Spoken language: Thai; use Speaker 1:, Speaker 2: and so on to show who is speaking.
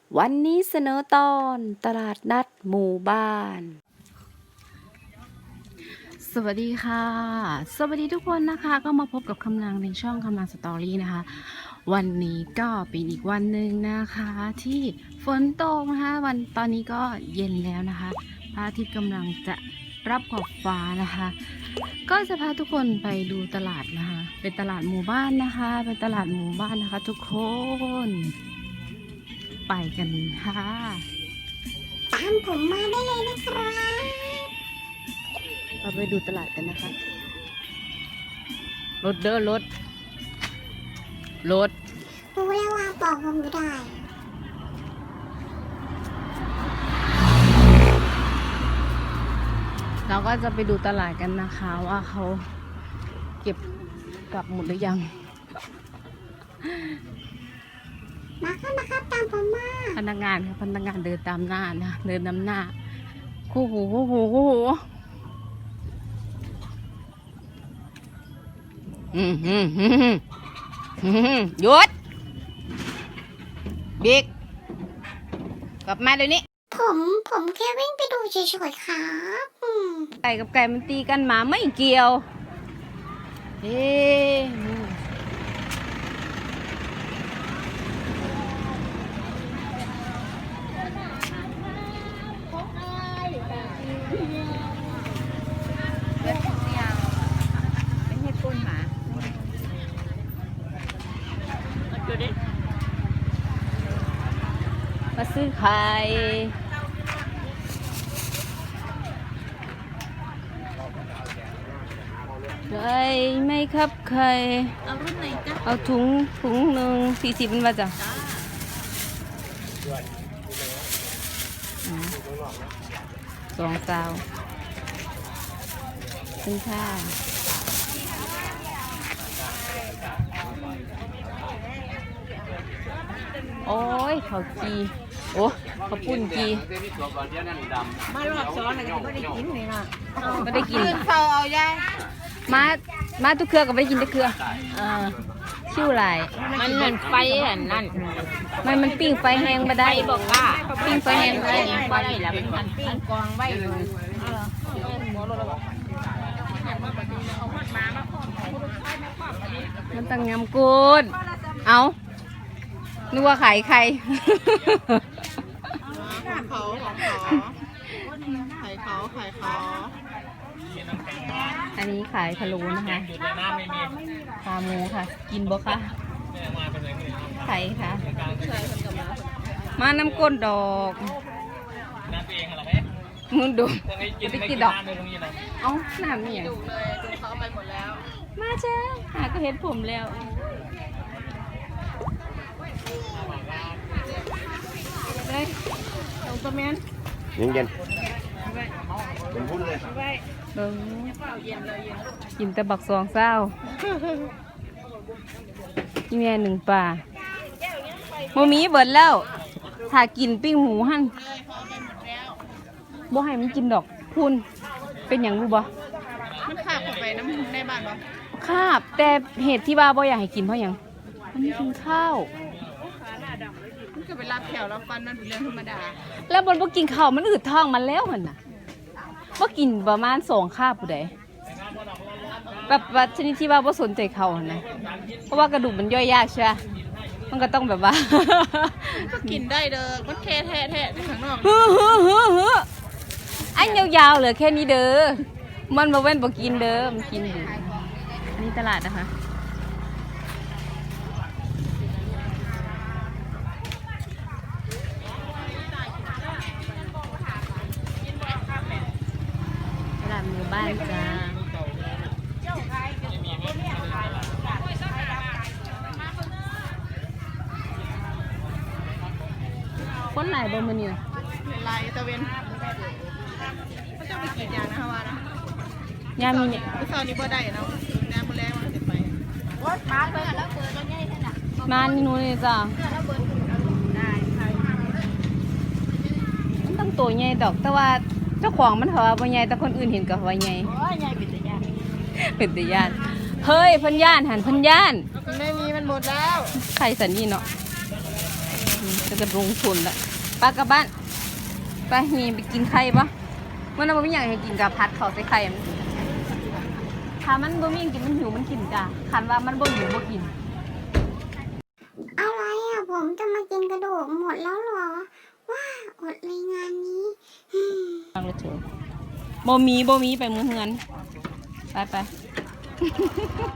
Speaker 1: วันนี้เสนอตอนตลาดนัดหมู่บ้าน สวัสดีค่ะ สวัสดีทุกคนนะคะก็มาพบกับคำนางในช่องคำนางสตอรี่นะคะ วันนี้ก็เป็นอีกวันหนึ่งนะคะ ที่ฝนตกนะคะตอนนี้ก็เย็นแล้วนะคะพระอาทิตย์กำลังจะรับขอบฟ้านะคะ ก็จะพาทุกคนไปดูตลาดนะคะ เป็นตลาดหมู่บ้านนะคะเป็นตลาดหมู่บ้านนะคะ ทุกคนไปกันค่ะ
Speaker 2: ตามผมมาได้เลยนะครับ
Speaker 1: เราไปดูตลาดกันนะคะรถเด้อรถ
Speaker 2: รู้แล้วว่าบอกผมไม่ได้
Speaker 1: เราก็จะไปดูตลาดกันนะคะว่าเขาเก็บกลับหมดหรือยัง
Speaker 2: มาครับตามผมมา
Speaker 1: พนักงานค่ะพนักงานเดินตามหน้านะเดินนำหน้าคู่หูหยุดบิ๊กกลับมาเดี๋ยวนี้
Speaker 2: ผมแค่วิ่งไปดูเฉยๆครับ
Speaker 1: ไก่กับไก่มันตีกันหมาไม่เกี่ยวเฮ้มาซื้อไข่ไข่ไม่ครับไข่เอารุ่นไหนจ๊ะเอาถุงหนึ่ง40เป็นว่าจ้ะ2 ซาวเป็นค่ะโอ้ยเขาจีโอ้เขาปุ่นจี
Speaker 3: มารอบซ้อนอะไรก็ไม่ได้กินเลยนะ
Speaker 1: ไม่ได้กิน
Speaker 3: เฝ้าเอายาย
Speaker 1: มาทุกเครือก็ไม่ได้กินทุกเครือชิวไหล
Speaker 3: มันเหมือนไฟนั่น
Speaker 1: มันปิ้งไฟแห้งมาได้
Speaker 3: บอกว่า
Speaker 1: ปิ้งไฟแห้งได้
Speaker 3: ไฟแล้วมันปิ้งกองไว้เลย
Speaker 1: มันตั้งงามกูดเอานึกว่าขายใครอันนี้ขายพะโล้นะคะขาหมูค่ะกินบ่คะไข่ค่ะมาน้ำก้นดอกมึงดูไปกินดอกเอ้าน้ำเนี่ยมาเจ้าหาก็เห็นผมแล้วเลยลงตัวแมน
Speaker 4: เย็นเป็นพุ่นเลย
Speaker 1: กินแต่บักซองเศร้านี่แม่หนึ่งป่าโมมีเบิดแล้วถ้ากินปิ้งหมูหั่นบ่ให้มันกินดอกพุ่นเป็นอย่างรู้บ่
Speaker 3: มันขาบเข้าไปน้ำในบ้านบ่
Speaker 1: คาบแต่เหตุที่ว่าบ่อยากให้กินเพราะอย่างมันไม่กินข้าว
Speaker 3: มันก็ไปรับแถวรับฟันมันเป็นเรื่องธรรมดา
Speaker 1: แล้วบนบ่กินข้าวมันอืดท้องมันแล้วหั่นน่ะบ่กินประมาณ2 คาบผู้ใดแบบว่าชนิดที่ว่าบ่สนใจเขาหั่นนะเพราะว่ากระดูกมันย่อยยากใช่ป่ะมันก็ต้องแบบว่า
Speaker 3: ก็กินได้เด้อมันแค่แท้ข้างนอก
Speaker 1: อันยาวๆเหลือแค่นี้เด้อมันบ่เว้นบ่กินเด้อมันกินอยู่นี่ตลาดนะคะตลาดหมู่บ้านจ้าคนหลายบ่มื้อนี้น่ะ
Speaker 3: ลายตะเวนเขาจะไปกินยานะคะว่านะ
Speaker 1: ยามีเนี่ย
Speaker 3: ตอนนี้บ่ได้เนาะยาบ่แลมันสิไปรถมาเบิ่งแล้วเปิดรถใหญ่นั่นน่ะ
Speaker 1: มานี่นู้นนี่จ้ามันต้องตัวใหญ่ดอกแต่ว่าเจ้าของมันเขาว่าบ่ใหญ่แต่คนอื่นเห็นก็ว่าใหญ่
Speaker 3: โอ้ยใหญ่เป็นตาญาติ
Speaker 1: เป็นตาญาติเฮ้ยพันย่านหันพันย่าน
Speaker 3: ไม่มีมันหมดแล้ว
Speaker 1: ใครสันนี่เนาะก็จะลงทุนละไปกลับบ้านไปมีไปกินไข่ปะเมื่อนั้นไม่อยากให้กินกับพัดเขาใส่ไข่มันถ้ามันบ่มีกินมันหิวมันกินจ้ะคันว่ามันบ่หิวบ่กิน
Speaker 2: อะไรอ่ะผมจะมากินกระดูกหมดแล้วเหรอว้าอดเลยงานนี้
Speaker 1: ฟังเลยเถอะบ่มีไปเมืองเงินไป